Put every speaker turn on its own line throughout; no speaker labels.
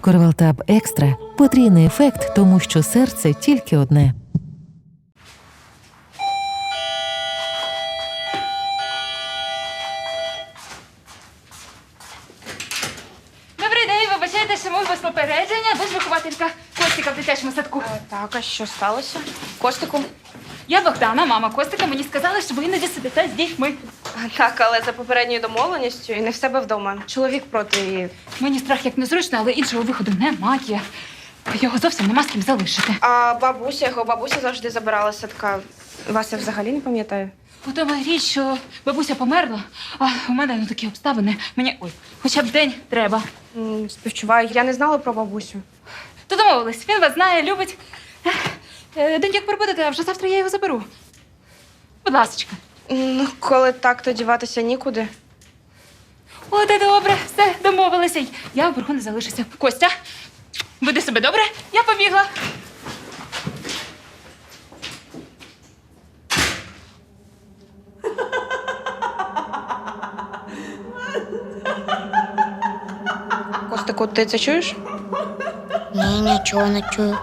Корвалтаб Екстра – потрійний ефект, тому що серце тільки одне.
Добрий день, вибачайте, що ми без попередження, ви ж вихователька Костика в дитячому садку.
Так, а що сталося? Костику?
Я Богдана, мама Костика, мені сказали, що ви іноді сидите з дітьми.
Так, але за попередньою домовленістю і не в себе вдома. Чоловік проти і...
Мені страх як незручно, але іншого виходу немає. Його зовсім нема з ким залишити.
А його бабуся завжди забирала з садка. Вас я взагалі не пам'ятаю.
У тому річ, що бабуся померла, а у мене такі обставини. Мені, хоча б день треба.
Співчуваю, я не знала про бабусю.
То домовились, він вас знає, любить. День як прибудете, а вже завтра я його заберу. Будь ласочка.
Ну, коли так, то діватися нікуди.
О, де добре, все, домовилися. Я в боргу не залишуся. Костя, веди себе добре, я побігла.
Костику, ти це чуєш?
Ні, нічого не чую.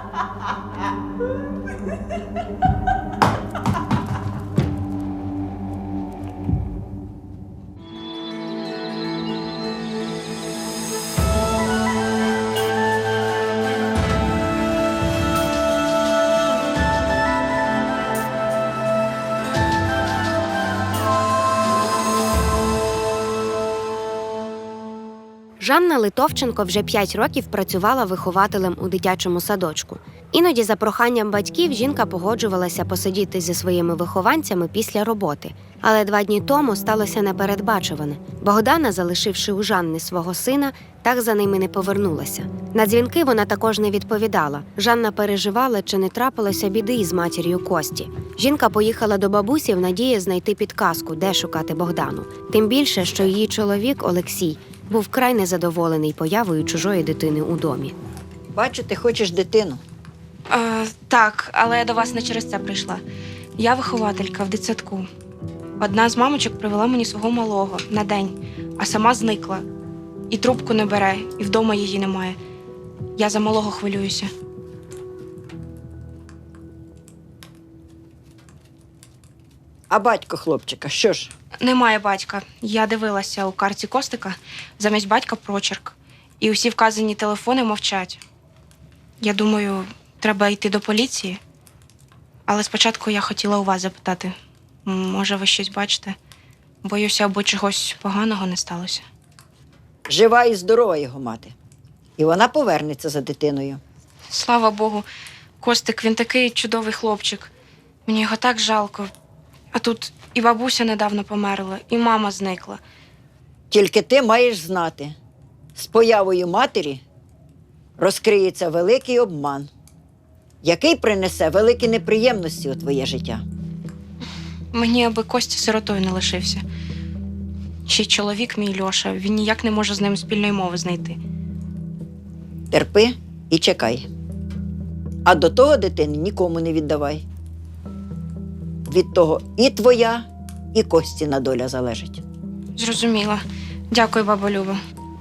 Жанна Литовченко вже 5 років працювала вихователем у дитячому садочку. Іноді за проханням батьків жінка погоджувалася посидіти зі своїми вихованцями після роботи. Але 2 дні тому сталося непередбачуване. Богдана, залишивши у Жанни свого сина, так за ними не повернулася. На дзвінки вона також не відповідала. Жанна переживала, чи не трапилося біди із матір'ю Кості. Жінка поїхала до бабусі в надії знайти підказку, де шукати Богдану. Тим більше, що її чоловік Олексій був вкрай незадоволений появою чужої дитини у домі.
Бачу, ти хочеш дитину.
Так, але я до вас не через це прийшла. Я вихователька в дитсадку. Одна з мамочок привела мені свого малого на день, а сама зникла. І трубку не бере, і вдома її немає. Я за малого хвилююся.
А батько хлопчика, що ж?
Немає батька. Я дивилася у карті Костика, замість батька прочерк. І усі вказані телефони мовчать. Я думаю, треба йти до поліції. Але спочатку я хотіла у вас запитати. Може, ви щось бачите? Боюся, аби чогось поганого не сталося.
Жива і здорова його мати. І вона повернеться за дитиною.
Слава Богу, Костик, він такий чудовий хлопчик. Мені його так жалко. А тут і бабуся недавно померла, і мама зникла.
Тільки ти маєш знати, з появою матері розкриється великий обман, який принесе великі неприємності у твоє життя.
Мені аби Костя сиротою не лишився. Ще й чоловік мій Льоша, він ніяк не може з ним спільної мови знайти.
Терпи і чекай. А до того дитини нікому не віддавай. Від того і твоя, і Костіна доля залежить.
Зрозуміла. Дякую, баба Люба.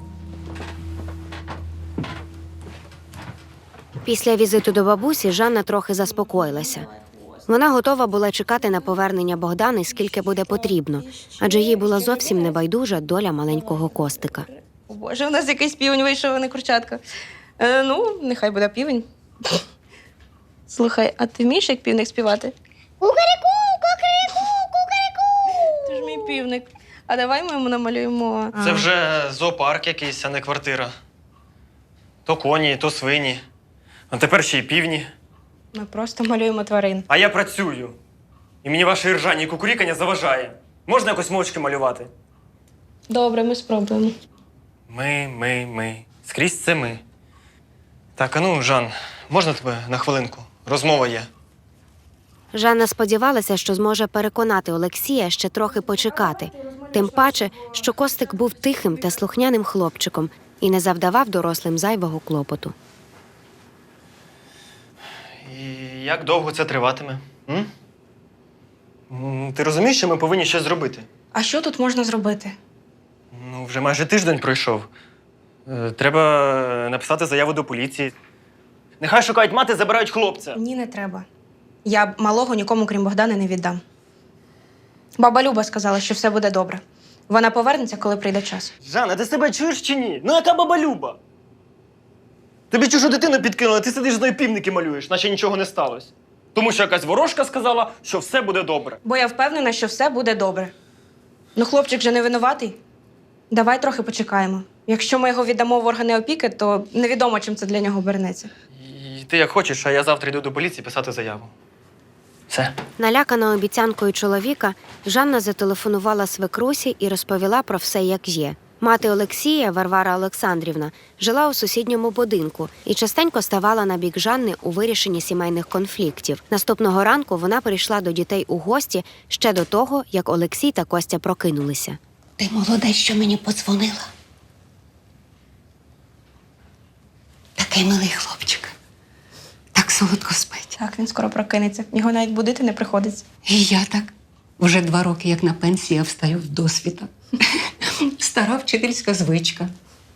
Після візиту до бабусі Жанна трохи заспокоїлася. Вона готова була чекати на повернення Богдани, скільки буде потрібно, адже їй була зовсім небайдужа доля маленького Костика.
О Боже, у нас якийсь півень вийшов, а не курчатка. Ну, нехай буде півень. Слухай, а ти вмієш як півник співати?
Кукаріку, кукаріку, кукаріку.
Ти ж мій півник. А давай ми йому намалюємо.
Це вже зоопарк якийсь, а не квартира. То коні, то свині. А тепер ще й півні.
Ми просто малюємо тварин.
А я працюю. І мені ваше іржання і кукурікання заважає. Можна якось мовчки малювати?
Добре, ми спробуємо.
Ми. Скрізь це ми. Так, а ну, Жан, можна тебе на хвилинку? Розмова є.
Жанна сподівалася, що зможе переконати Олексія ще трохи почекати. Тим паче, що Костик був тихим та слухняним хлопчиком і не завдавав дорослим зайвого клопоту.
І як довго це триватиме? Ти розумієш, що ми повинні щось зробити?
А що тут можна зробити?
Ну, вже майже тиждень пройшов. Треба написати заяву до поліції. Нехай шукають мати, забирають хлопця.
Ні, не треба. Я малого нікому, крім Богдана, не віддам. Баба Люба сказала, що все буде добре. Вона повернеться, коли прийде час.
Жанна, ти себе чуєш чи ні? Ну яка баба Люба? Тобі чужу дитину підкинула, ти сидиш з нею півники малюєш, наче нічого не сталося. Тому що якась ворожка сказала, що все буде добре.
Бо я впевнена, що все буде добре. Ну, хлопчик же не винуватий. Давай трохи почекаємо. Якщо ми його віддамо в органи опіки, то невідомо, чим це для нього обернеться.
І ти як хочеш, а я завтра йду до поліції писати заяву. Все.
Налякана обіцянкою чоловіка, Жанна зателефонувала свекрусі і розповіла про все, як є. Мати Олексія, Варвара Олександрівна, жила у сусідньому будинку і частенько ставала на бік Жанни у вирішенні сімейних конфліктів. Наступного ранку вона прийшла до дітей у гості ще до того, як Олексій та Костя прокинулися.
Ти молодець, що мені подзвонила. Такий милий хлопчик. Так солодко спить.
Так, він скоро прокинеться. Його навіть будити не приходиться.
І я так. Вже 2 роки, як на пенсії, я встаю в досвіта. Стара вчительська звичка.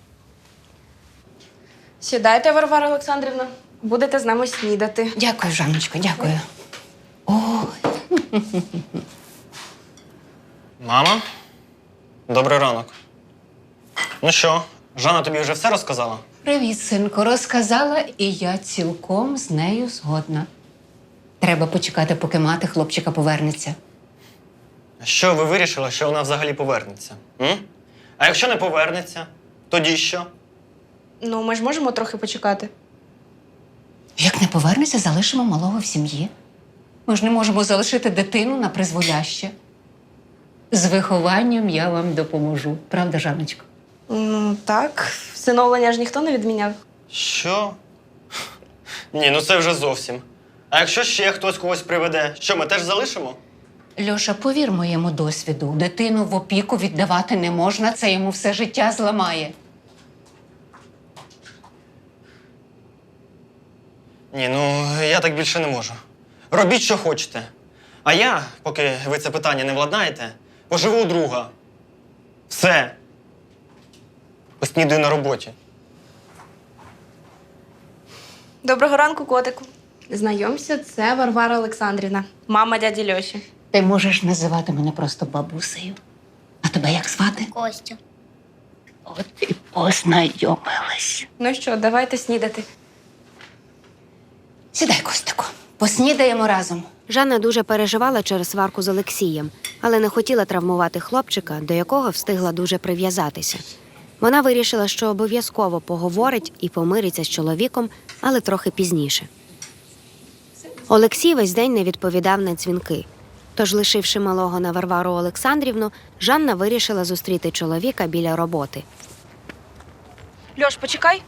Сідайте, Варвара Олександрівна. Будете з нами снідати.
Дякую, Жанночко, дякую. Ой,
Мама, добрий ранок. Ну що, Жанна тобі вже все розказала?
привіт, синку. Розказала, і я цілком з нею згодна. Треба почекати, поки мати хлопчика повернеться.
Що ви вирішили, що вона взагалі повернеться? М? А якщо не повернеться, тоді що?
Ну, ми ж можемо трохи почекати.
Як не повернеться, залишимо малого в сім'ї. Ми ж не можемо залишити дитину на призволяще. З вихованням я вам допоможу. Правда, Жанночко?
Ну, так. Всиновлення ж ніхто не відміняв.
Що? Ні, ну це вже зовсім. А якщо ще хтось когось приведе, що ми теж залишимо?
Льоша, повір моєму досвіду, дитину в опіку віддавати не можна, це йому все життя зламає.
Ні, ну я так більше не можу. Робіть, що хочете. А я, поки ви це питання не владнаєте, поживу у друга. Все. Поснідаю на роботі.
Доброго ранку, котику. Знайомся, це Варвара Олександрівна, мама дяді Льоші.
Ти можеш називати мене просто бабусею. А тебе як звати?
Костя.
От і познайомились.
Ну що, давайте снідати.
Сідай, Костику, поснідаємо разом.
Жанна дуже переживала через сварку з Олексієм, але не хотіла травмувати хлопчика, до якого встигла дуже прив'язатися. Вона вирішила, що обов'язково поговорить і помириться з чоловіком, але трохи пізніше. Олексій весь день не відповідав на дзвінки. Тож, лишивши малого на Варвару Олександрівну, Жанна вирішила зустріти чоловіка біля роботи.
Льош, почекай.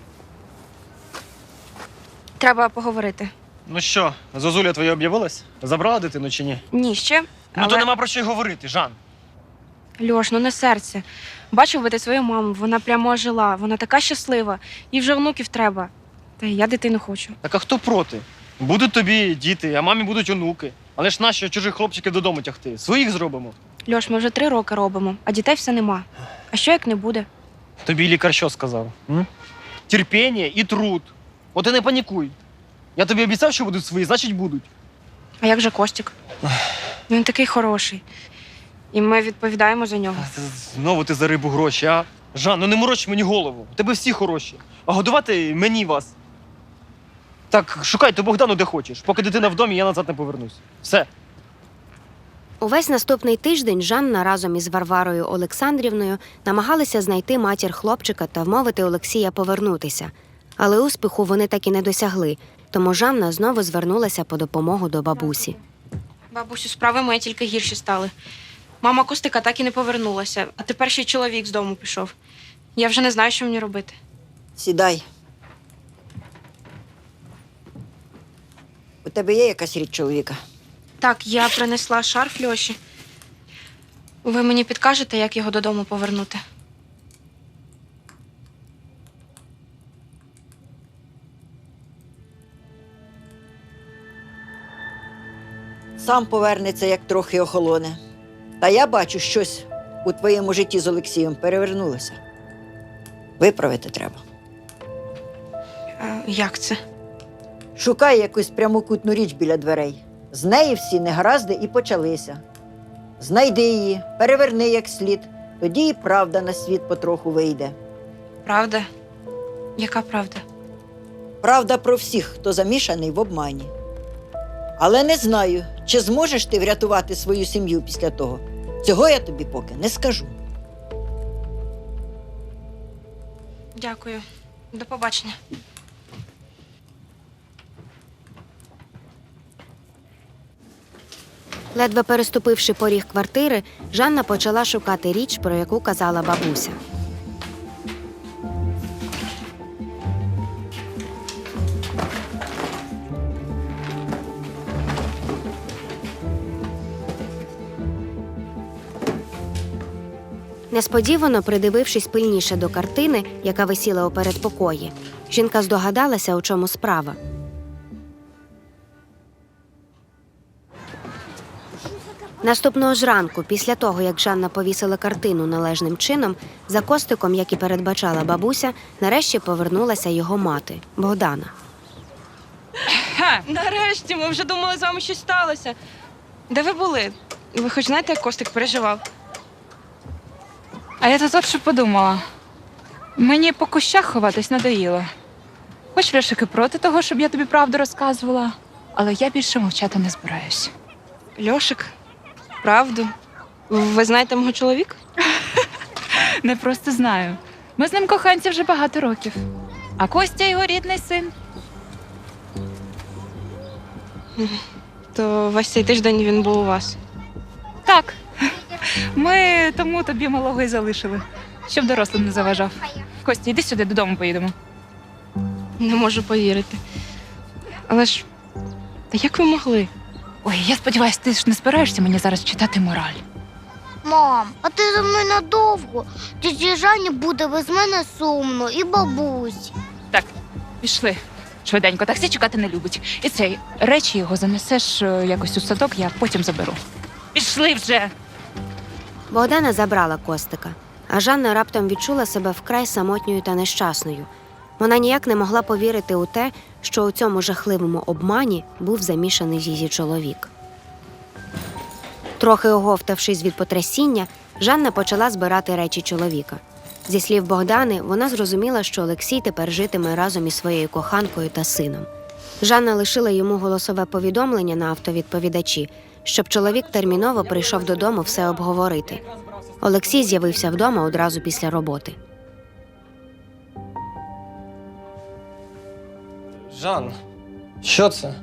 Треба поговорити.
Ну що, Зозуля твоя об'явилась? Забрала дитину чи ні?
Ні, ще.
Ну то нема про що й говорити, Жан.
Льош, ну не серце. Бачив би ти свою маму, вона прямо ожила, вона така щаслива. Їй вже онуків треба. Та й я дитину хочу.
Так а хто проти? Будуть тобі діти, а мамі будуть онуки. Але ж нащо чужих хлопчиків додому тягти? Своїх зробимо.
Льош, ми вже 3 роки робимо, а дітей все нема. А що як не буде?
Тобі лікар що сказав? М? Терпіння і труд. От і не панікуй. Я тобі обіцяв, що будуть свої, значить будуть.
А як же Костік? Він такий хороший. І ми відповідаємо за нього.
Знову ти за рибу гроші, а? Жан, ну не мороч мені голову. У тебе всі хороші. А годувати мені вас. Так, шукай ту Богдану де хочеш. Поки дитина в домі, я назад не повернусь. Все.
Увесь наступний тиждень Жанна разом із Варварою Олександрівною намагалися знайти матір хлопчика та вмовити Олексія повернутися. Але успіху вони так і не досягли, тому Жанна знову звернулася по допомогу до бабусі.
Бабусю, справи мої тільки гірші стали. Мама Костика так і не повернулася, а тепер ще й чоловік з дому пішов. Я вже не знаю, що мені робити.
Сідай. У тебе є якась річ чоловіка?
Так, я принесла шарф Льоші. Ви мені підкажете, як його додому повернути?
Сам повернеться, як трохи охолоне. Та я бачу, щось у твоєму житті з Олексієм перевернулося. Виправити треба.
Як це?
Шукай якусь прямокутну річ біля дверей. З неї всі негаразди і почалися. Знайди її, переверни як слід, тоді і правда на світ потроху вийде.
Правда? Яка правда?
Правда про всіх, хто замішаний в обмані. Але не знаю, чи зможеш ти врятувати свою сім'ю після того. Цього я тобі поки не скажу.
Дякую. До побачення.
Ледве переступивши поріг квартири, Жанна почала шукати річ, про яку казала бабуся. Несподівано придивившись пильніше до картини, яка висіла у передпокої, жінка здогадалася, у чому справа. Наступного ж ранку, після того, як Жанна повісила картину належним чином, за Костиком, як і передбачала бабуся, нарешті повернулася його мати – Богдана.
Нарешті, ми вже думали, з вами щось сталося. Де ви були? Ви хоч знаєте, як Костик переживав?
А я тут от що подумала. Мені по кущах ховатись надоїло. Хоч Льошик і проти того, щоб я тобі правду розказувала, але я більше мовчати не збираюсь.
Льошик? Правду? Ви знаєте мого чоловіка?
Не просто знаю. Ми з ним коханці вже багато років. А Костя його рідний син.
То весь цей тиждень він був у вас.
Так. Ми тому тобі малого й залишили, щоб дорослим не заважав. Костя, йди сюди, додому поїдемо.
Не можу повірити. Але ж, та як ви могли?
Ой, я сподіваюся, ти ж не збираєшся мені зараз читати мораль.
Мам, а ти за мною надовго? Тіті Жанні буде без мене сумно і бабусь.
Так, пішли. Швиденько, таксі чекати не любить. І цей, речі його занесеш якось у садок, я потім заберу. Пішли вже!
Богдана забрала Костика, а Жанна раптом відчула себе вкрай самотньою та нещасною. Вона ніяк не могла повірити у те, що у цьому жахливому обмані був замішаний її чоловік. Трохи оговтавшись від потрясіння, Жанна почала збирати речі чоловіка. Зі слів Богдани, вона зрозуміла, що Олексій тепер житиме разом із своєю коханкою та сином. Жанна лишила йому голосове повідомлення на автовідповідачі, щоб чоловік терміново прийшов додому все обговорити. Олексій з'явився вдома одразу після роботи.
Жан, що це?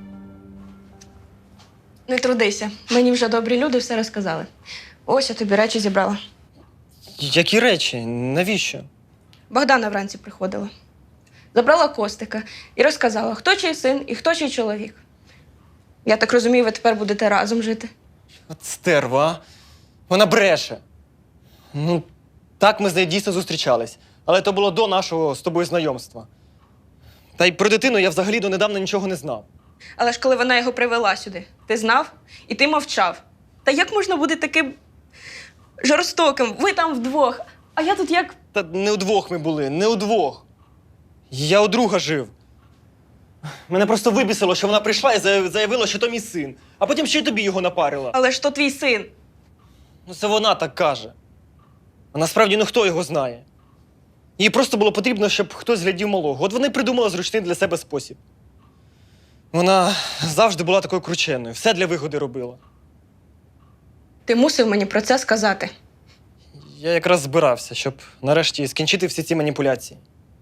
Не трудися. Мені вже добрі люди все розказали. Ось я тобі речі зібрала.
Які речі? Навіщо?
Богдана вранці приходила. Забрала Костика і розказала, хто чий син і хто чий чоловік. Я так розумію, ви тепер будете разом жити.
От стерва, а? Вона бреше. Ну, так ми з нею дійсно зустрічались. Але то було до нашого з тобою знайомства. Та й про дитину я взагалі донедавна нічого не знав.
Але ж коли вона його привела сюди, ти знав і ти мовчав. Та як можна бути таким жорстоким? Ви там вдвох, а я тут як...
Та не удвох ми були, не удвох. Я у друга жив. Мене просто вибісило, що вона прийшла і заявила, що то мій син. А потім ще й тобі його напарила.
Але ж то твій син.
Ну це вона так каже. А насправді ну хто його знає. Їй просто було потрібно, щоб хтось глядів малого. От вона й придумала зручний для себе спосіб. Вона завжди була такою крученою, все для вигоди робила.
Ти мусив мені про це сказати.
Я якраз збирався, щоб нарешті скінчити всі ці маніпуляції.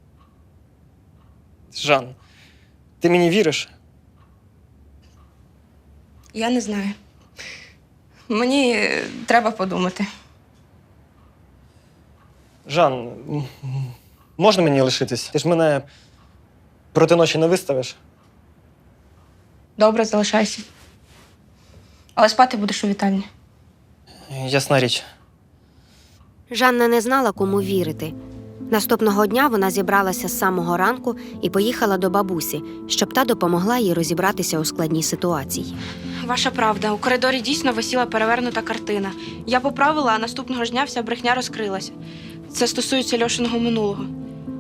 Жан, ти мені віриш?
Я не знаю. Мені треба подумати.
Жан, можна мені лишитись? Ти ж мене проти ночі не виставиш?
Добре, залишайся. Але спати будеш у вітальні.
Ясна річ.
Жанна не знала, кому вірити. Наступного дня вона зібралася з самого ранку і поїхала до бабусі, щоб та допомогла їй розібратися у складній ситуації.
Ваша правда, у коридорі дійсно висіла перевернута картина. Я поправила, а наступного ж дня вся брехня розкрилася. Це стосується Льошиного минулого.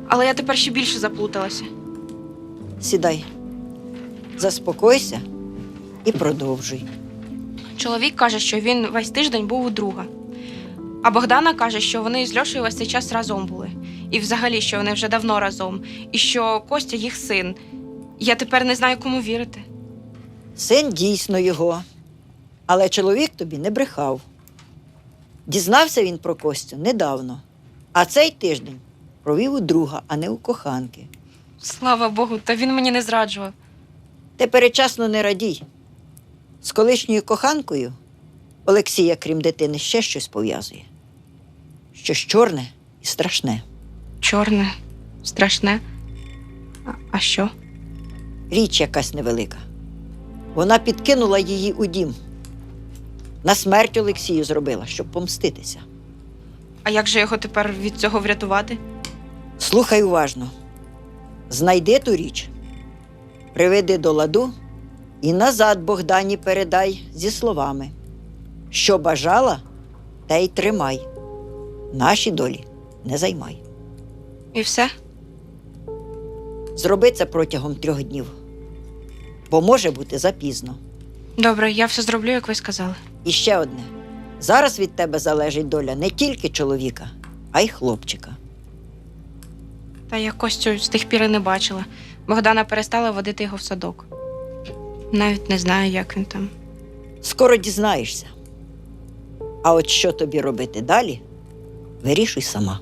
Але я тепер ще більше заплуталася.
Сідай, заспокойся і продовжуй.
Чоловік каже, що він весь тиждень був у друга. А Богдана каже, що вони з Льошею весь цей час разом були. І взагалі, що вони вже давно разом. І що Костя їх син. Я тепер не знаю, кому вірити.
Син дійсно його, але чоловік тобі не брехав. Дізнався він про Костю недавно, а цей тиждень провів у друга, а не у коханки.
Слава Богу, та він мені не зраджував.
Ти передчасно не радій. З колишньою коханкою Олексія, крім дитини, ще щось пов'язує. Щось чорне і страшне.
Чорне, страшне. А що?
Річ якась невелика. Вона підкинула її у дім. На смерть Олексію зробила, щоб помститися.
А як же його тепер від цього врятувати?
Слухай уважно. Знайди ту річ, приведи до ладу і назад Богдані передай зі словами: що бажала, те й тримай. Наші долі не займай.
І все?
Зроби це протягом 3 днів, бо може бути запізно.
Добре, я все зроблю, як ви сказали.
І ще одне. Зараз від тебе залежить доля не тільки чоловіка, а й хлопчика.
Та я Костю з тих пір і не бачила. Богдана перестала водити його в садок. Навіть не знаю, як він там.
Скоро дізнаєшся. А от що тобі робити далі, вирішуй сама.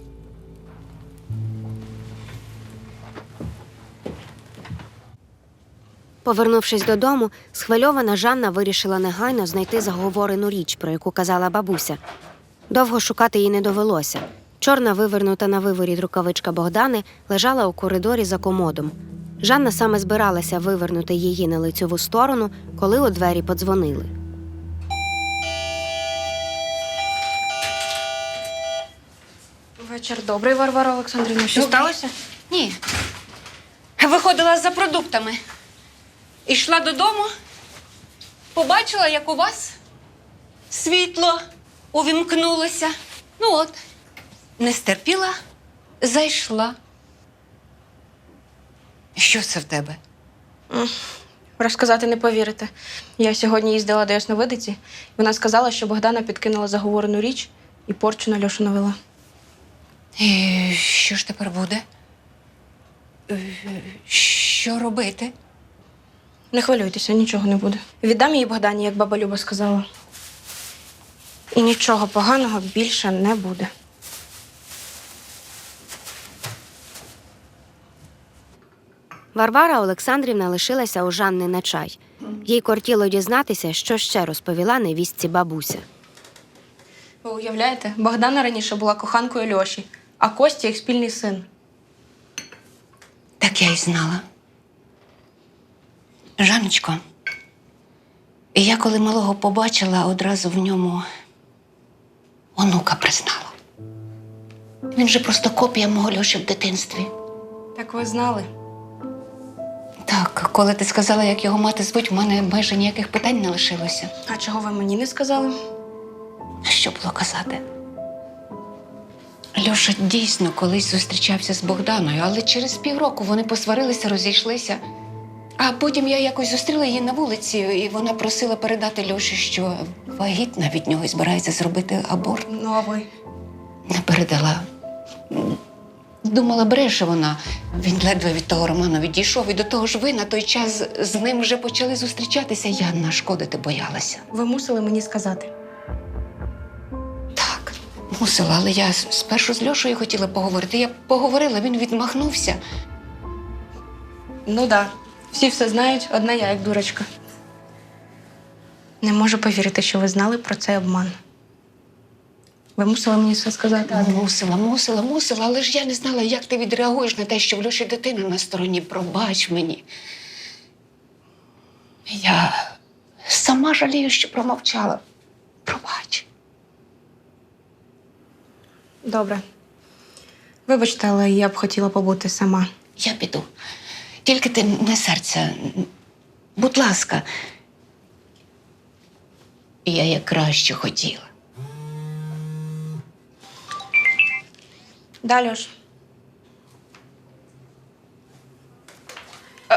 Повернувшись додому, схвильована Жанна вирішила негайно знайти заговорену річ, про яку казала бабуся. Довго шукати їй не довелося. Чорна, вивернута на виворіт рукавичка Богдани, лежала у коридорі за комодом. Жанна саме збиралася вивернути її на лицьову сторону, коли у двері подзвонили.
Вечір добрий, Варвара Олександрівна. Що
Добрий.
сталося?
Ні. Виходила за продуктами. Ішла додому, побачила, як у вас світло увімкнулося. Ну от, не стерпіла, зайшла. Що це в тебе?
Розказати не повірите. Я сьогодні їздила до ясновидиці, і вона сказала, що Богдана підкинула заговорену річ і порчу на Льошу навела.
І що ж тепер буде? Що робити?
Не хвилюйтеся, нічого не буде. Віддам її Богдані, як баба Люба сказала. І нічого поганого більше не буде.
Варвара Олександрівна лишилася у Жанни на чай. Їй кортіло дізнатися, що ще розповіла невістці бабуся.
Ви уявляєте, Богдана раніше була коханкою Льоші, а Костя їх спільний син.
Так я й знала. Жанночко, я коли малого побачила, одразу в ньому онука признала. Він же просто копія мого Льоші в дитинстві.
Так ви знали?
Так, коли ти сказала, як його мати звуть, в мене майже ніяких питань не лишилося.
А чого ви мені не сказали?
А що було казати? Льоша дійсно колись зустрічався з Богданою, але через півроку вони посварилися, розійшлися. А потім я якось зустріла її на вулиці, і вона просила передати Льоші, що вагітна від нього і збирається зробити аборт.
Ну, а ви?
Не передала. Думала, бреше вона. Він ледве від того Романа відійшов, і до того ж ви на той час з ним вже почали зустрічатися. Я нашкодити боялася.
Ви мусили мені сказати.
Так, мусила, але я спершу з Льошею хотіла поговорити. Я поговорила, він відмахнувся.
Ну да, всі все знають, одна я, як дурочка. Не можу повірити, що ви знали про цей обман. Ви мусили мені все сказати.
Мусила, але ж я не знала, як ти відреагуєш на те, що в Льоші дитина на стороні. Пробач мені. Я сама жалію, що промовчала. Пробач.
Добре. Вибачте, але я б хотіла побути сама.
Я піду. Тільки ти не серця. Будь ласка. Я як краще хотіла.
Далі ж.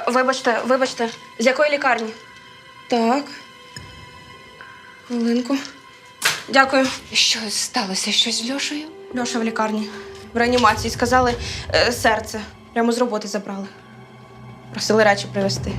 Вибачте, з якої лікарні? Так. Хвилинку. Дякую.
Що сталося? Щось з Льошею?
Льоша в лікарні. В реанімації. Сказали, серце. Прямо з роботи забрали. Просили речі привезти.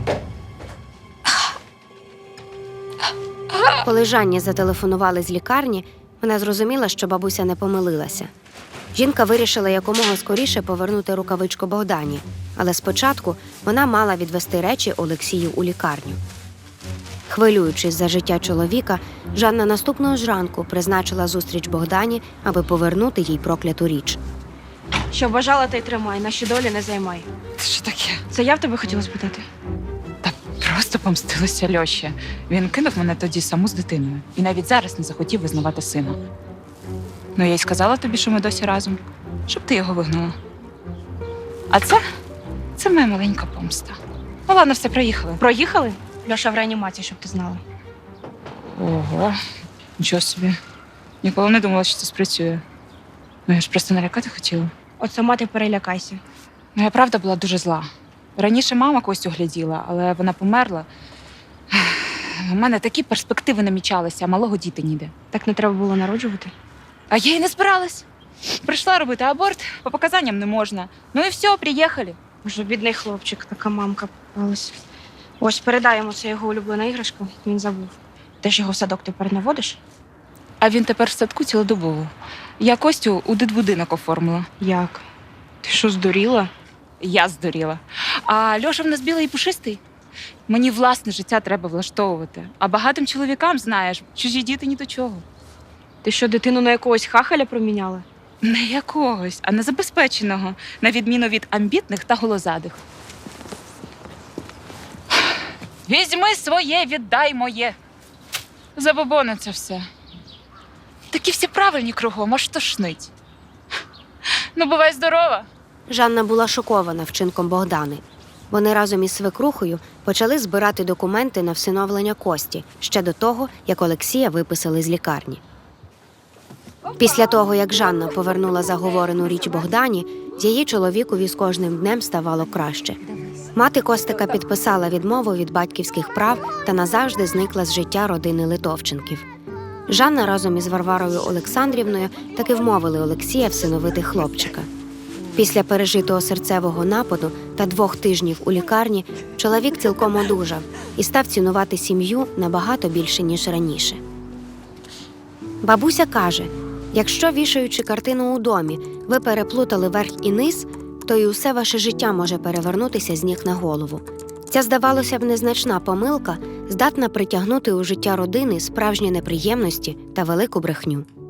Коли Жанні зателефонували з лікарні, вона зрозуміла, що бабуся не помилилася. Жінка вирішила якомога скоріше повернути рукавичку Богдані, але спочатку вона мала відвести речі Олексію у лікарню. Хвилюючись за життя чоловіка, Жанна наступного ж ранку призначила зустріч Богдані, аби повернути їй прокляту річ.
Що бажала, та й тримай, наші долі не займай.
Це що таке?
Це я в тебе хотіла спитати?
Та просто помстилася Льоші. Він кинув мене тоді саму з дитиною. І навіть зараз не захотів визнавати сина. Ну, я й сказала тобі, що ми досі разом, щоб ти його вигнала. А це моя маленька помста. Ну, ладно, все, приїхали.
Проїхали? Льоша в реанімації, щоб ти знала.
Ого, нічого собі. Ніколи не думала, що це спрацює. Ну, я ж просто налякати хотіла.
От сама ти перелякайся.
Ну, я правда була дуже зла. Раніше мама Костю гляділа, але вона померла. У мене такі перспективи намічалися, а малого діти ніде.
Так не треба було народжувати.
А я й не збиралась. Прийшла робити аборт, по показанням не можна. Ну і все, приїхали.
Боже, бідний хлопчик, така мамка попалась. Ось передаємо, це його улюблена іграшка, він забув. Ти ж його в садок тепер не водиш?
А він тепер в садку цілодобово. Я Костю у дитбудинок оформила.
Як? Ти що, здуріла?
Я здуріла. А Льоша в нас білий і пушистий. Мені власне життя треба влаштовувати. А багатим чоловікам, знаєш, чужі діти ні до чого.
Ти що, дитину на якогось хахаля проміняла?
Не якогось, а незабезпеченого, на відміну від амбітних та голозадих. Візьми своє, віддай моє. Забобони це все. Такі всі правильні кругом, аж тошнить. Ну, бувай здорова.
Жанна була шокована вчинком Богдани. Вони разом із свекрухою почали збирати документи на всиновлення Кості ще до того, як Олексія виписали з лікарні. Після того, як Жанна повернула заговорену річ Богдані, її чоловікові з кожним днем ставало краще. Мати Костика підписала відмову від батьківських прав та назавжди зникла з життя родини Литовченків. Жанна разом із Варварою Олександрівною таки вмовили Олексія всиновити хлопчика. Після пережитого серцевого нападу та 2 тижнів у лікарні чоловік цілком одужав і став цінувати сім'ю набагато більше, ніж раніше. Бабуся каже, якщо, вішаючи картину у домі, ви переплутали верх і низ, то і усе ваше життя може перевернутися з ніг на голову. Ця, здавалося б, незначна помилка здатна притягнути у життя родини справжні неприємності та велику брехню.